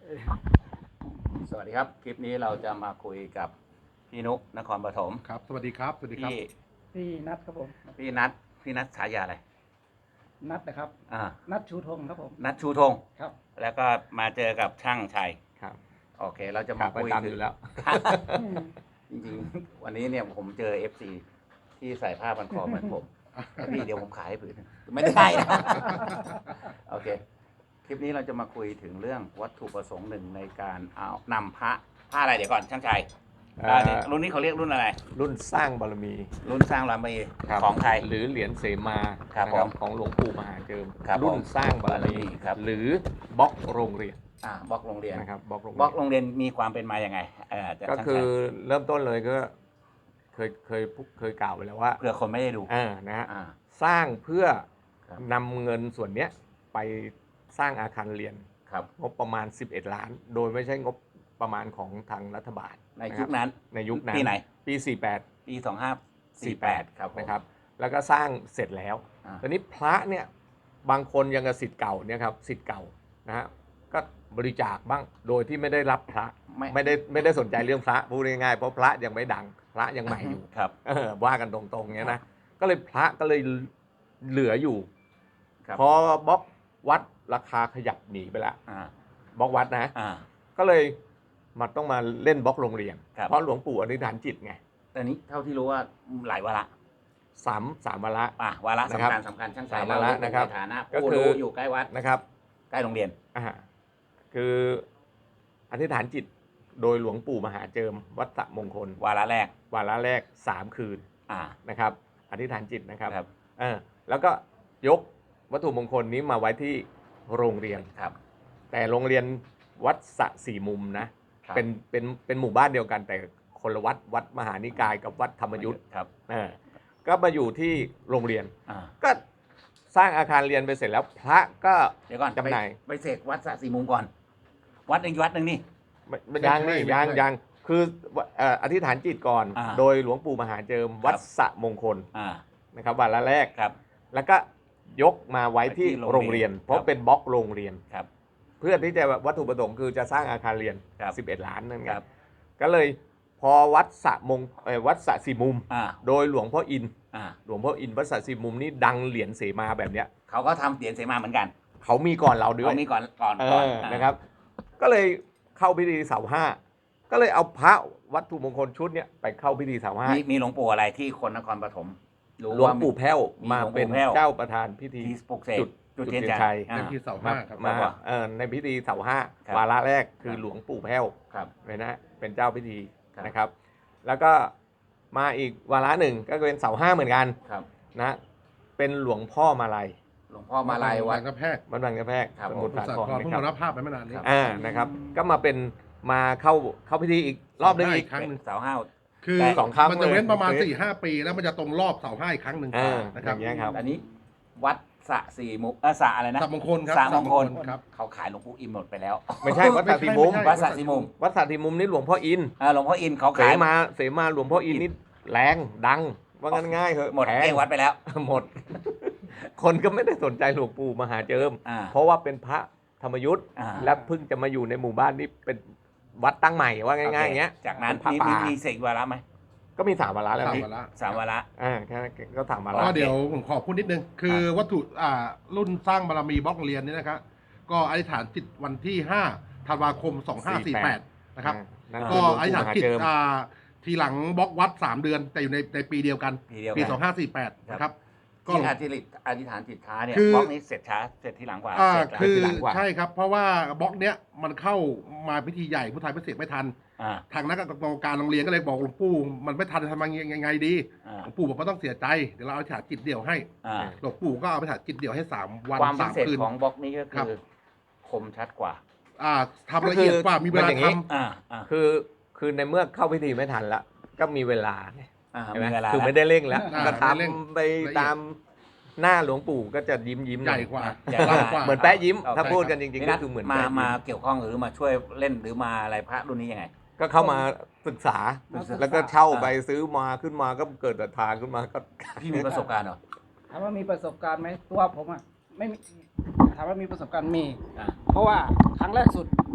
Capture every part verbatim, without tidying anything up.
สวัสดีครับคลิปนี้เราจะมาคุยกับพี่นุกนครปฐมครับสวัสดีครับสวัสดีครับพี่พี่นัทครับผมพี่นัทพี่นัทฉายาอะไรนัทนะครับอ่านัทชูธงครับผมนัทชูธงครับแล้วก็มาเจอกับช่างชัยครับโอเค เราจะคมารับประคุยจำถึอง ยู่แล้วจริงๆ วันนี้เนี่ยผมเจอ เอฟ ซี ที่ใส่ผ้าพันคอเหมือนผมแล้วพี่เดี๋ยวผมขายให้ผืนหนึ่งไม่ได้นะโอเค คลิปนี้เราจะมาคุยถึงเรื่องวัตถุประสงค์หนึ่งในการเอานำพระผ้าอะไรเดี๋ยวก่อนช่างชัยเอ่ออ่าเนี่ยรุ่นนี้เขาเรียกรุ่นอะไรรุ่นสร้างบารมีรุ่นสร้างรามมีครับของไทยหรือเหรียญเสมาครับนะผมของหลวงปู่มหาเจิมครับรุ่นผมสร้างบารมีครับหรือบล็อกโรงเรียนอ่าบล็อกโรงเรียนนะครับบล็อกโรงบล็อกเรียนโรงเรียนมีความเป็นมาอย่างไงเอ่อจากก็ช่างคืชัอย เริ่มต้นเลยก็เคยเคยเคยกล่าวไปแล้วว่าเผื่อคนไม่ได้ดูเออนะฮะอ่าสร้างเพื่อครับนำเงินส่วนเนี้ยไปสร้างอาคารเรียนครับงบประมาณสิบเอ็ดล้าน โดยไม่ใช่งบประมาณของทางรัฐบาลในนะคยุรัคบนั้นในยุคนั้นปีไหนปีสี่แปดปีสองห้าสี่แปดครับผมนะครับแล้วก็สร้างเสร็จแล้วอ่าตอนนี้พระเนี่ยบางคนยังกับสิทธิ์เก่าเนี่ยครับสิทธิ์เก่านะฮะก็บริจาคบ้างโดยที่ไม่ได้รับพระไม่ไม่ได้ไม่ได้สนใจเรื่องพระพูดง่ายๆเพราะพระยังไม่ดังพระยังใหม่อยู่ครับเออว่ากันตรงๆเนี้ยนะก็เลยพระก็เลยเหลืออยู่ครับพอบล็อกวัดราคาขยับหนีไปละอ่าบล็อกวัดนะอ่าก็เลยมันต้องมาเล่นบล็อกโรงเรียนครับเพราะหลวงปู่อธิษฐานจิตไงแต่นี้เท่าที่รู้ว่าหลายวาระสามสามวาระอ่าวาระนะครับสำคัญสำคัญช่างชัยสามวาระเานะครับในฐานะก็ผู้คือรู้อยู่ใกล้วัดนะครับใกล้โรงเรียนอ่าคืออธิษฐานจิตโดยหลวงปู่มหาเจิมวัดสระมงคลวาระแรกวาระแรกสามคืนอ่านะครับ อธิษฐานจิตนะครับครับเออแล้วก็ยกวัตถุมงคลนี้มาไว้ที่โรงเรียนครับแต่โรงเรียนวัดสระสี่มุมนะครับ เป็นเป็นเป็นหมู่บ้านเดียวกันแต่คนละวัดวัดมหานิกายกับวัดธรรมยุทธ์ครับเออก็มาอยู่ที่โรงเรียนอ่าก็สร้างอาคารเรียนไปเสร็จแล้วพระก็เดี๋ยวก่อนจำหน่ายไปไปเสกวัดสระสี่มุมก่อน วัดหนึ่งวัดหนึ่งนี่ไม่ไม่ยังนี่ยังยังคือเอ่ออธิษฐานจิตก่อนอ่าโดยหลวงปู่มหาเจิมวัดสระมงคลอ่านะครับวันละแรกครับแล้วก็ยกมาไว้ที่ไว้ที่โรโรง งเรีเรียยนน เพราะครับเป็นบล็อกโรงเรียนครับเพื่อที่จะวัตถุประสงค์คือจะสร้างอาคารเรียนครับสิบเอ็ดล้านนั่นไงครับก็เลยพอวัดสระมงเอ่อวัดสระสี่มุมอ่าโดยหลวงพ่ออินทร์อ่าหลวงพ่ออินทร์วัดสระสี่มุมนี่ดังเหรียญเสมาแบบเนี้ยเขาก็ทำเหรียญเสมาเหมือนกันเขามีก่อนเราด้วยเขามีก่อนก่อนเอก่อนออ่านะครับ ก็เลยเข้าพิธีเสาห้าก็เลยเอาพระวัตถุมงคลชุดเนี้ยไปเข้าพิธีเสาห้ามีมีหลวงปู่อะไรที่คนนครปฐมรู้หลวงว่ามีปู่แพ้วมีมาหลวงปู่เป็นแพ้วเจ้าประธานพิธีที่ปลุกเสกจุดจุดจุดเทียนเทียนชัชัยยอ่าเป็นที่เสามาห้าครับมาครับเอ่อในพิธีเสาห้าครับวาระแรกคือครับหลวงปู่แพ้วครับเลยนะเป็นเจ้าพิธีครับนะครับ แล้วก็มาอีกวาระหนึ่งก็เป็นเสาห้าเหมือนกันครับนะเป็นหลวงพ่อมาลัยหลวงพ่อมาลายวัดกระแพกวัดบางกระแพกครับสมุทรสัสาตคว์รเพิ่งนะคมารัรับบ ภาพไปไม่นานนี้ครับอ่านะครับก็มาเป็นมาเข้าเข้าพิธีอีกรอบหนึงอีกครั้งหนึ่งเสาห้าคือแต่สองครั้งมันจะเว้นประมาณเลยสี่ห้าปีแล้วมันจะตรงรอบเสาห้าอีกครั้งหนึ่งเออนะอครับย่างเงี้ยครับอันนี้วัดสระสี่มุกเออสระอะไรนะสับมงคลครับสระมงคลครับเขาขายหลวงปู่อิมหมดไปแล้วไม่ใช่วัดสระสีมุมไม่ใช่วัดสระสี่มุมวัดสระสีมุมนี่หลวงพ่ออินทร์อ่าหลวงพ่ออินเขาเสขายมาเสมาหลวงพ่ออินทร์นี่แรงดังว่างั้นง่ายเหอะหมดแพเกงวัดไปแล้วหมด คนก็ไม่ได้สนใจหลวงปู่มหาเจิมอ่าเพราะว่าเป็นพระธรรมยุทธ์อ่าและเพิ่งจะมาอยู่ในหมู่บ้านนี้เป็นวัดตั้งใหม่ว่าง่ายๆอโคย่างเงี้ยจากนั้นเป็นพระมีมีป่ามีเสกวาระไหมก็มีสามวาระแล้วสามพี่วาระสามวาระอ่าแค่นั้นก็สามวาระก็เดี๋ยวผมขอพูดนิดนึง คือวัตถุอ่ารุ่นสร้างบารมีบล็อกเรียนนี่นะครับก็อธิษฐานจิตวันที่ห้าธันวาคมสองห้าสี่แปดนะครับนั่นก็คือหลวงอธิษฐานปู่มหาจิตเจิมอ่าทีหลังบล็อกวัดสามเดือน แต่อยู่ในในปีเดียวกันปีเดียวปีกันสองห้าสี่แปดนะครับก็ที่อธิษฐานอธิษฐานจิตช้าเนี่ยคือบล็อกนี้เสร็จช้าเสร็จทีหลังกว่าอ่าเสร็จแล้วคือทีหลังกว่าใช่ครับ เพราะว่าบล็อกเนี้ยมันเข้ามาพิธีใหญ่ผู้ไทยพิเศษไม่ทันอ่าทางนักกรรมการโรงเรียนก็เลยบอกหลวงปู่มันไม่ทันทำยังไงดีอ่าหลวงปู่บอกว่าต้องเสียใจเดี๋ยวเราเอาฉาจิตเดี่ยวให้อ่าหลวงปู่ก็เอาไปฉาจิตเดี่ยวให้สามวันความพิสามเศษคืนของบล็อกนี้ก็ครัคืบอคมชัดกว่าอ่าทำละเอียดกว่ามีเวลามันอย่างนี้ทำอ่าอ่าคือคือในเมื่อเข้าพิธีไม่ทันละก็มีเวลาไงอ่าใช่ไหมมีเวลาคือไม่แล้วได้เร่งแล้วอ่าก็ไม่เร่งทำไปตามหน้าหลวงปู่ก็จะยิ้มยิ้มใหญ่กว่าใหญ่กว้างกว่าเหมือนแป๊ะยิ้มเอาถ้าใช่พูดครับกันจริงๆนี่ก็นะคือเหมือนมาแป๊ะยิ้มาเกี่ยวข้องหรือมาช่วยเล่นหรือมาอะไรพระรุ่นนี้ยังไงก็เข้ามาศึกษามาศึกษาแล้วก็เช่าไปซื้อมาขึ้นมาก็เกิดศรัทธาขึ้นมาก็พี่มีประสบการณ์เหรอถามว่ามีประสบการณ์ไหมตัวผมอ่ะไม่มีถามว่ามีประสบการณ์มีอ่าเพราะว่าครั้งแรกสุด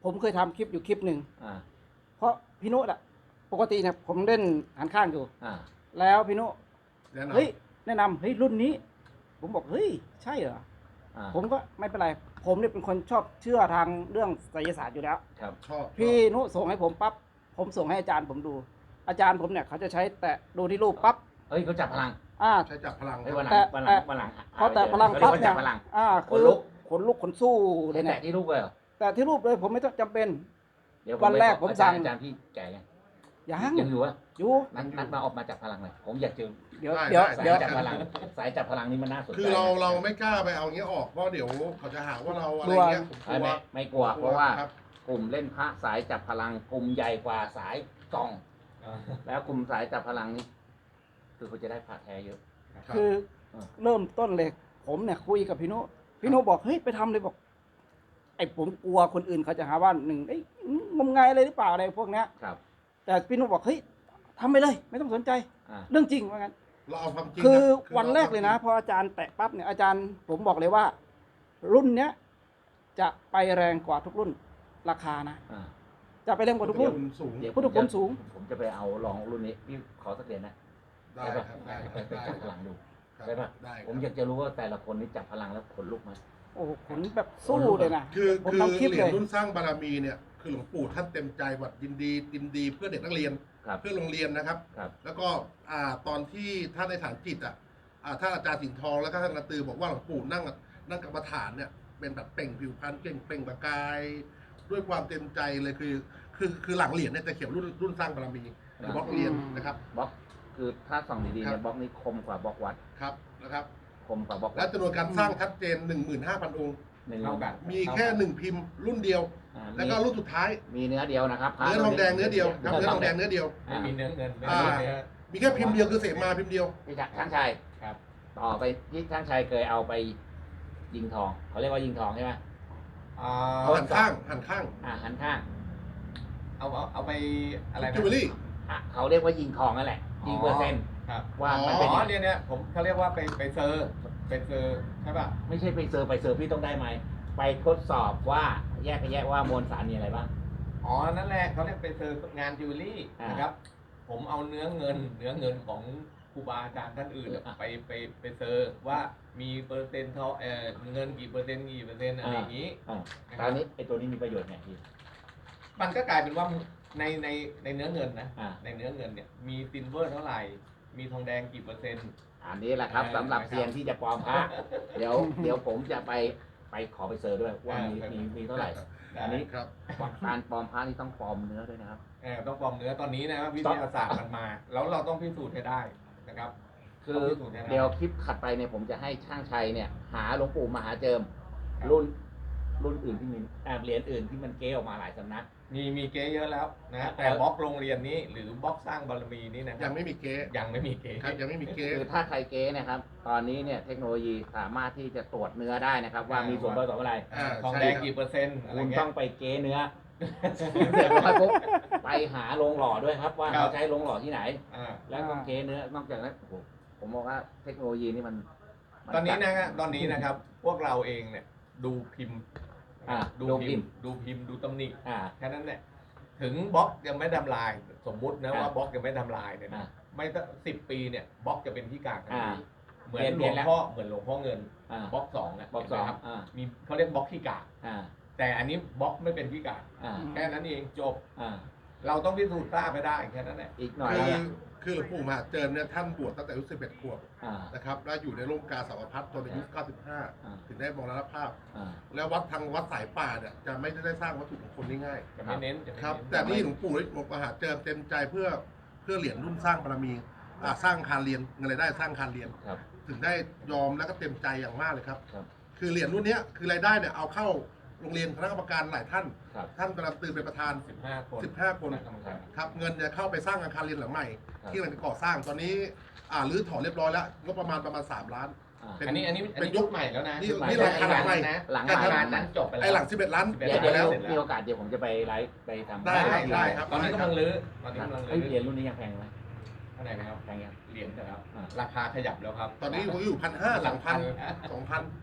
ผมเคยทำคลิปอยู่คลิปหนึ่งอ่าเพราะพี่นุอะปกติเนี่ยผมเล่นหันข้างอยู่อ่าแล้วพี่นุแนะนำเฮ้ยแนะนำเฮ้ยรุ่นนี้ ผมบอกเฮ้ยใช่เหรออ่าผมก็ไม่เป็นไร ผมเนี่ยเป็นคนชอบเชื่อทางเรื่องไสยศาสตร์อยู่แล้วครับชอบพี่นุส่งให้ผมปั๊บผมส่งให้อาจารย์ผมดู อาจารย์ผมเนี่ยเขาจะใช้แต่ดูที่รูปปั๊บเฮ้ยเขาจับพลังอ่าใช้จับพลังเฮ้ยวันหลังแต่วันหลังวันหลังพอแต่พลังเขาเรียปั๊กบว่าเนี่จัยบพลังอ่าขนคือลุกขนลุกขนสู้เลให้ยแตะเนี่ยที่ลูกเลยเหรอแต่ที่รูปเลยผมไม่ต้องจำเป็นเดี๋ยววันแรกผมสั่งอาจารย์พี่แก่ยังยังยังอยู่วะอยู่นัดนัดมาออกมาจับพลังเลยผมอยากเจอเดี๋ยวได้เดี๋ยวได้เดี๋ยวจับพลังสายจับพลังนี่มันน่าสนใจคือเรานะเราไม่กล้าไปเอาเงี้ยออกเพราะเดี๋ยวเขาจะหาว่าเราอะไรเงี้ยผมกไม่ลัวไม่ไม่กลัว เพราะว่าครับกลุ่มเล่นพระสายจับพลังกลุ่มใหญ่กว่าสายกล่องอ่าแล้วกลุ่มสายจับพลังนี่คือเขาจะได้พระแท้เยอะครับคืออ่าเริ่มต้นเลย ผมเนี่ยคุยกับพี่นุพี่นุบอกเฮ้ยไปทำเลยบอก ไอ้ผมกลัวคนอื่นเขาจะหาว่าหนึ่งไอ้ยงมงายอะไรหรือเปล่าอะไรพวกเนี้ยครับแต่พี่นุบอกเฮ้ยทำไปเลย ไม่ต้องสนใจอ่าเรื่องจริงว่างั้นเราเอาความจริงคือนะวันแรกเลยนะพออาจารย์แตะปั๊บเนี่ยอาจารย์ผมบอกเลยว่า รุ่นเนี้ยจะไปแรงกว่าทุกรุ่นราคานะอ่าจะไปแรงกว่าทุกรุ่นคุณสูงเดี๋ยวพุทธคุณสูงผมจะไปเอาลองรุ่นนี้พี่ขอสักเหรียญนะได้ได้คปะรับได้ไปครับไปได้จับพคลัรับงดูครับได้ปะได้ครับผมอยากจะรู้ว่าแต่ละคนนี่จับพลังแล้วขนลุกไหมโอ้โหขนแบบสู้เลยนะคือผมคือทำคลิปเหรียเลญยรุ่นสร้างบารมีเนี่ยคือหลวงปู่ท่านเต็มใจวัดยินดียินดีเพื่อเด็กนักเรียนครับเพื่อโรงเรียนนะครับครับแล้วก็อ่าตอนที่ท่านในฐานจิตอ่ะอ่าท่านอาจารย์สิงห์ทองแล้วก็ท่านนาตือบอกว่าหลวงปู่นั่งนั่งกรรมฐานเนี่ยเป็นแบบเปล่งผิวพรรณเก่งเปล่งประกาย ด้วยความเต็มใจเลยคือ คือคือหลังเหรียญเนี่ยจะเขียนรุ่นรุ่นสร้างบารมีหรือบล็อกเหรียญนะครับบล็อกคือถ้าส่องดีๆครัเนี่ยบบล็อกนี้คมกว่าบล็อกวัดครับนะครับคมกว่าบล็อกและวัดจำนวนการสร้างชัดเจน หนึ่งหมื่นห้าพัน องค์หนึ่งเท่ากันมีแค่หนึ่งพิมพ์รุ่นเดียวอ่าแล้วก็รุ่นสุดท้ายมีเนื้อเดียวนะครับพระเนื้อทองแดงเนื้อเดียวครับเนื้อทองแดงเเนื้อเดียวไม่มีเนื้อเงินไม่อ่ามีเนื้อมีแค่พิมพ์เดียวคือเสมาพิมพ์เดียวนี่จากช่างชัยครับต่อไปที่ช่างชัยเคยเอาไปยิงทองเขาเรียกว่ายิงทองใช่ไหมอ่าหันข้างหันข้างอ่าหันข้างเอาเอาเอาไปอะไรนะจิวเวลรี่อ่ะเขาเรียกว่ายิงทองนั่นแหละ ยิงเปอร์เซ็นต์ครับว่าอ๋อมันอ๋เป็นอยังไงเนี่ยเนี่ยผมเขาเรียกว่าไปไปเซอร์ไปเซอร์ใช่ป่ะไม่ใช่ไปเซอร์ไปเซอร์พี่ต้องได้ไหมไปทดสอบว่าแยกไปแยกว่ามวลสารมีอะไรบ้างอ๋อนั่นแหละเขาเรียกไปเซอร์งานจิวเวลรี่อ่านนะครับ ผมเอาเนื้อเงิน เนื้อเงินของครูบาอาจารย์ท่านอื่นอ่ะไปไปไปเซอร์ว่ามีเปอร์เซ็นต์เท่าเออเงินกี่เปอร์เซ็นต์กี่เปอร์เซ็นต์อะไรอย่างนี้อ่านะตคอรันบนี้ไอ้ตัวนี้มีประโยชน์ไงพี่มันก็กลายเป็นว่าในในในเนื้อเงินนะอ่าในเนื้อเงินเนี่ยมีซิลเวอร์เท่าไหร่ มีทองแดงกี่เปอร์เซ็นต์อันนี้แหละครับเออสำหรับนะครับเซียนที่จะปลอมพระเดี๋ยวเดี๋ยวผมจะไปไปขอไปเซอร์ด้วยว่ามีเออมีมีเท่าไหร่ อันนี้ครับการปลอมพระนี่ต้องปลอมเนื้อด้วยนะครับเออต้องปลอมเนื้อตอนนี้นะครับวิทยาศาสตร์มันมา แล้วเราต้องพิสูจน์ให้ได้นะครับคือต้องพิสูจน์ให้ได้เดี๋ยวคลิปถัดไปเนี่ยผมจะให้ช่างชัยเนี่ย หาหลวงปู่มหาเจิม รุ่นรุ่นอื่นที่มีอ่าเหรียญอื่นที่มันเก้ออกมาหลายสำนักมีมีเก๊เยอะแล้วนะแต่เออบล็อกโรงเรียนนี้ หรือบล็อกสร้างบารมีนี่นะคยัรับงไม่มีเก๊ยังไม่มีเก๊ครับยังไม่มีเก๊คือถ้าใครเก้นะครับ ตอนนี้เนี่ยเทคโนโลยีสามารถที่จะตรวจเนื้อได้นะครับ ว่ามีส่วนผสมอะไรอ่าทองใช่แดงครับกี่เปอร์เซ็นต์อะไรคุณเงี้ต้ยองไปเก้เนื้อ เสร็จแล้วปุ๊บไปหาโรงหล่อด้วยครับ ว่าครับเขาใช้โรงหล่อที่ไหนอ่าแล้วก็เก้เนื้อนอกจากนั้นโอ้โหผมบอกว่าเทคโนโลยีนี่มันมัตอนนี้จัดนะครับตอนนี้นะครับ พวกเราเองเนี่ยดูพิมพ์อ่าดูดูพิพิมมพ์พ์ดูพิมพ์ดูตำหนิอ่าแค่นั้นแหละถึงบล็อกยังไม่ทำลาย สมมุตินะอ่าว่าบล็อกยังไม่ทำลายเนี่ยอ่านะไม่ต้องสิบปีเนี่ยบล็อกจะเป็นที่กากทันอ่าทีเหมือนเปลี่หลยนวงแล้วพ่อเหมือนหลวงพ่อเงินอ่าบล็อกสองนะบล็อกสเห็อน งไหมครับอ่ามีเขาเรียกบล็อกที่กากอ่าแต่อันนี้บล็อกไม่เป็นที่กากอ่าแค่นั้นเองจบอ่าเราต้องพิสูจน์ทราบไปได้แค่นั้นแหละอีกหน่อยคือเนี่ยคือหลวงปู่มหาเจิมเนี่ยท่านบวชตั้งแต่อายุสิบเอ็ดขวบอ่านะครับแล้วอยู่ในร่มกาสาวพัฒน์จนอายุเก้าสิบห้าอ่าถึงได้มรณภาพอ่าแล้ววัดทางวัดสายป่าเนี่ยจะไม่ได้สร้างวัตถุมงคลง่ายจะไม่เน้นจะไม่ๆครับเน้นแต่นี่หลวงปู่หลวงมหาเจิมเต็มใจเพื่อเพื่อเหรียญรุ่นสร้างบารมีอ่าสร้างคานเรียนเงินรายได้สร้างคานเรียนครับถึงได้ยอมแล้วก็เต็มใจอย่างมากเลยครับครับคือเหรียญรุ่นเนี้ยคือรายได้เนี่ยเอาเข้าโรงเรียนคณะกรรมการหลายท่านครับท่านกำลังตื่นเป็นประธานสิบห้าคนสิบห้าคนณะกรรมการครับเงินจะเข้าไปสร้างอาคารเรียนหลังใหม่ครับที่กำลังจะก่อสร้างตอนนี้อ่ารื้อถอนเรียบร้อยแล้วงบประมาณประมาณสามล้านอ่าเป็นอันนี้อันนี้อันเป็นนี้ยุยุคคใหม่แล้วนะนี่ยุคใหม่นี่หลังคาหลังใหม่นะหลังการใหม่งานนั้นจบไปแล้วไอ้หลังสิบเอ็ดล้านสิบเอ็ดเดี๋ยวจบเดี๋ยวไปแล้วมีโอกาสเดี๋ยวผมจะไปไลฟ์ไปทำได้ได้ได้ครับตอนนี้กำลังรื้อตอนนี้กำลังเฮ้ยรื้อเหรียญรุ่นนี้ยังแพงไหมเท่าไหร่นะครับแพงยังเหรียญนะครับอ่าราคาขยับแล้วครับตอนนี้ผมอยู่พันห้าสองพันสองพัน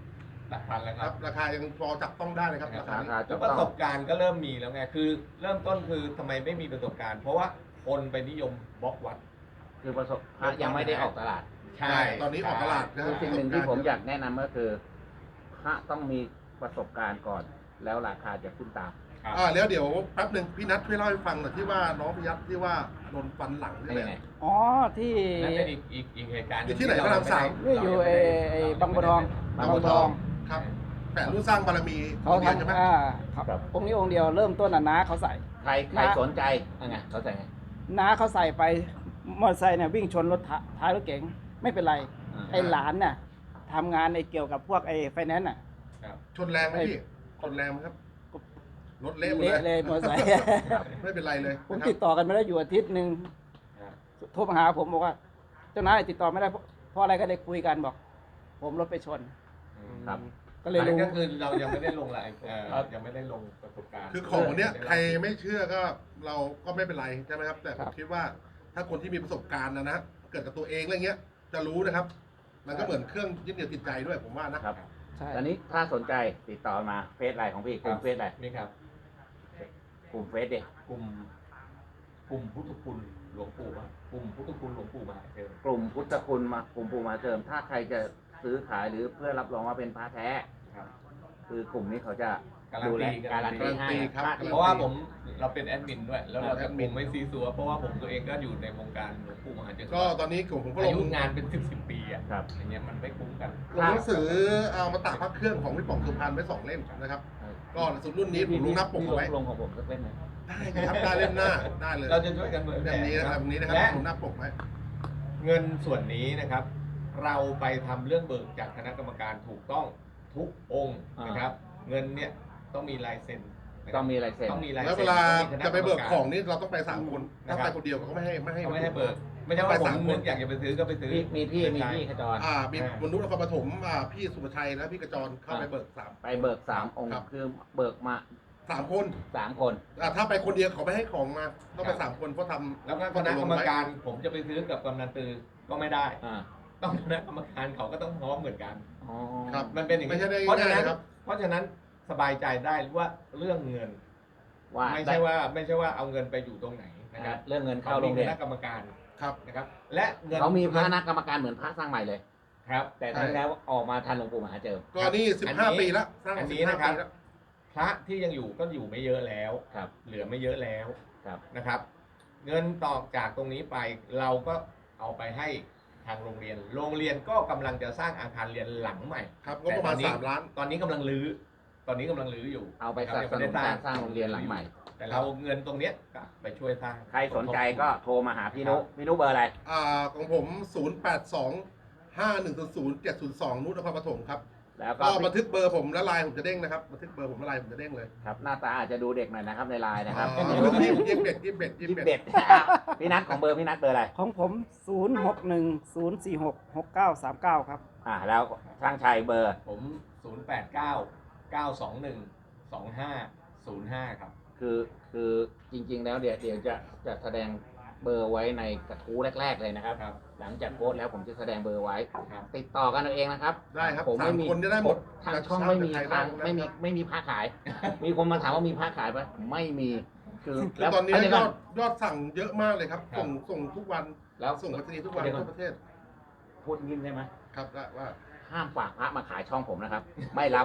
หลักพันแล้วคครัรับบ ราคายังพอจับต้องได้เลยครับราคารานี้คาแล้จะวประต้สองบการณ์ก็เริ่มมีแล้วไงคือเริ่มต้นคือทำไมไม่มีประสบการณ์ เพราะว่าคนไปนิยมบล็อกวัดคือประสบพระยังไม่ได้ออกตลาดใช่ตอนนี้ออกตลาดนะคคืรัอบ สิ่งหนึ่งที่ผมอยากแนะนำก็คือพระต้องมีประสบการณ์ก่อน แล้วราคาจะขึ้นตามครับอ่าแล้วเดี๋ยวแป๊บหนึ่งพี่นัทช่วยเล่าให้ฟังหน่อยที่ว่าน้องพิยัตที่ว่าโดนฟันหลังนี่ได้แหไงละอ๋อที่นั่นเป็นอีกอีกอีกเหตุการณ์อยู่ที่ไหนพระรามสามนี่อยู่ไอ้ไอ้บางบัวทองบางบัวทอง ครับแผ่นรุ่นสร้างบารมีเขาเดียวใช่ไหมทำอ่าครับครับองค์นี้องค์เดียวเริ่มต้นน่ะน้าเขาใส่ใครใครนะสนใจยังไงเขาใส่ไงน้าเขาใส่ไปมอเตอร์ไซค์เนี่ยวิ่งชนรถท้าท้ายรถเก๋งไม่เป็นไรอ่าไอ้หลานน่ะทำงานในเกี่ยวกับพวกไอ้ไฟแนนซ์น่ะครับชนแรงไหมพี่ชนแรงไหมครับรถเละหมดเละเลเลย ยมอเตอร์ไซค์ไม่เป็นไรเลยผมนะครับติดต่อกันไม่ได้อยู่อาทิตย์หนึ่งครับโทรมาหาผมบอกว่า เจ้านายติดต่อไม่ได้เพราะเพราะอะไรก็เลยคุยกันบอก ผมรถไปชนครับก็เลยอันรู้นั้นก็คือเรายังไม่ได้ลงรายเอ่อยังไม่ได้ลงประสบการณ์คือของเนี้ยใครไม่เชื่อก็เราก็ไม่เป็นไรใช่ไหมครับ แต่ผมคิดว่าถ้าคนที่มีประสบการณ์นะนะเกิดกับตัวเองอะไรเงี้ย จะรู้นะครับ มันก็เหมือนเครื่องยึดเหนี่ยวจิตใจด้วยผมว่านะครับใช่ตอนนี้ถ้าสนใจติดต่อมาเฟซไลน์ของพี่กลุ่มเฟซไลน์นี่ครับกลุ่มเฟซเด็กกลุ่มกลุ่มพุทธคุณหลวงปู่มากลุ่มพุทธคุณหลวงปู่มหาเจริญกลุ่มพุทธคุณมากลุ่มปู่มาเติม ถ้าใครจะซื้อขายหรือเพื่อรับรองว่าเป็นพระแท้ครับคือกลุ่มนี้เขาจะการันดูแลตีการันตีให้ครับพระที่เพราะว่าผมเราเป็นแอดมินด้วย แล้วเราแอจะดผมินมไม่ซีซัวเพราะว่าผมตัวเองก็อยู่ในวงการหลวงปู่มหาเจริญก็ตอนนี้ผมผมก็ลอาง ยุงานเป็นสิบสิบปีอ่ะครับอย่างเงี้ยมันไม่คุ้มกันลงหนังสือเอามาตากพระเครื่องของพี่ป๋องสุพรรณไว้สองเล่มนะครับ ก็สุดรุ่นนี้ผมลงหน้าปกเอาไว้ลงของผมสักเล่มไหมได้ครับได้เล่มหน้าได้เลยเราจะช่วยกันเผยแพเล่ร่มนี้นะครับแบบนี้นะครับและลงหน้าปกไว้เงินส่วนนี้นะครับ เราไปทำเรื่องเบิกจากคณะกรรมการถูกต้องทุกองค์นะครับ เงินเนี่ยต้องมีลายเซ็นนะครับต้องมีลายเซ็นต้องมีลายแล้วเซ็เวน ลาต้องมีคณจะไปเบิกรรมารของนี่เราต้องไปสามคนถ้าไปคนเดียวเขาไม่ให้ไม่ให้เขาไม่ให้เบิก ไม่ใช่ว่าผมนึกอยากจะไปซื้อก็ไปซื้อมีมีพี่มีพี่ขจรอ่ามีมนุษย์นครปฐมอ่าพี่สุภชัยและพี่กระจรเข้าไปเบิกสามไปเบิกสามองค์ครับคือเบิกมาสามคนสามคนอ่าถ้าไปคนเดียวเขาไม่ให้ของมาต้องไปครับสามคนเพราะทำแล้วก็คณะกรรมการผมจะไปซื้อกับกำนันตือก็ไม่ได้อ่าต้องคณะกรรมการเขาก็ต้องพร้อมเหมือนกันอ๋อครับมันเป็นอย่างไม่นี้ใช่ได้เพราะฉะง่ายนั้นนะครับเพราะฉะนั้นสบายใจได้ว่าเรื่องเงินว่าไม่ใช่ว่าไม่ใช่ว่าเอาเงินไปอยู่ตรงไหนนะนะคครัรับบเรื่องเงินเขาเข้าโรมีงคเรียนณะกรรมการครับนะครับ และเงินเขามีพระนักกรรมการเหมือนพระสร้างใหม่เลยครับแต่ทั้งแล้วออกมาทันหลวงปู่มหาเจิมก็นี่สิบห้าปีแล้วสร้างอันสินี้บห้านะครับปีแล้วพระที่ยังอยู่ก็อยู่ไม่เยอะแล้วครับเหลือไม่เยอะแล้วครับนะครับ เงินต่อจากตรงนี้ไปเราก็เอาไปให้ทางโรงเรียน โรงเรียนก็กำลังจะสร้างอาคารเรียนหลังใหม่ครับก็ประมาณแต่ตอนนี้สามล้านตอนนี้กำลังรื้อ ตอนนี้กำลังรื้ออยู่เอาไปสนับสนุนการสร้างโรงเรียนหลังใหม่แต่เราเงินตรงเนี้ยก็ไปช่วยสร้างใครสนใจก็โทรมาหาพี่นุพี่นุเบอร์อะไรอ่าของผม ศูนย์ แปด สอง ห้า หนึ่ง ศูนย์ เจ็ด ศูนย์ สอง นุชนครปฐมครับแล้วก็ก็บันทึกเบอร์ผมและไลน์ผมจะเด้งนะครับบันทึกเบอร์ผมและไลน์ผมจะเด้งเลยครับหน้าตาอาจจะดูเด็กหน่อยนะครับในไลน์นะครับอ๋อยี่สิบเอ็ดยี่สิบเอ็ดยี่ยี่สิสิบบ เอ็เอ็ดดพี่นัทของเบอร์พี่นัทเบอร์อะไรของผม ศูนย์ หก หนึ่ง ศูนย์ สี่ หก หก เก้า สาม เก้า ครับอ่าแล้วช่างชัยเบอร์ผม ศูนย์ แปด เก้า เก้า สอง หนึ่ง สอง ห้า ศูนย์ ห้า ครับคือคือจริง ๆ แล้วเดี๋ยวเดี๋ยวจะจะแสดงเบอร์ไว้ในกระทู้แรก ๆ เลยนะครับครับหลังจากโพสต์แล้วผมจะแสดงเบอร์ไว้ครับติดต่อกันเอาเองนะครับได้ครับผมไม่มีสามคนจะได้หมดทางช่องไม่มีจะเช่าทางจากใครบ้างไม่มีไม่มีผ้าขาย มีคนมาถามว่ามีผ้าขายปะไม่มี คือคือตอนนี้เดี๋ยวย ก่อดยอดสั่งเยอะมากเลยครับครับส่งส่งทุกวันแล้วส่งไปรษณีย์ทุกวันเดี๋ยวก่อทั่วน ประเทศพูดยิ้มได้ไหมครับได้ว่าห้ามฝากพระมาขายช่องผมนะครับ ไม่รับ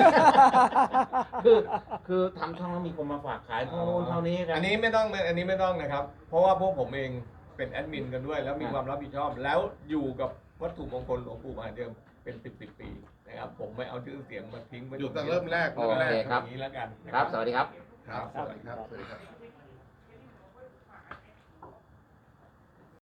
คือคือทำช่องแล้วมีคนมาฝากขายเท่านู้นเท่านี้กันอันนี้ไม่ต้องอันนี้ไม่ต้องนะครับ เพราะว่าพวกผมเองเป็นแอดมินกันด้วย แล้วมีครับความรับผิดชอบ แล้วอยู่กับวัตถุมงคลหลวงปู่มหาเดิมเป็นสิบสิบปีนะครับ ผมไม่เอาชื่อเสียงมาทิ้งไว้อยู่แต่เริ่มแรกโอเริ่มแรเคกครับอย่างนี้แล้วกันนะครับ สวัสดีครับครับสวัสดีครับสวัสดีครับ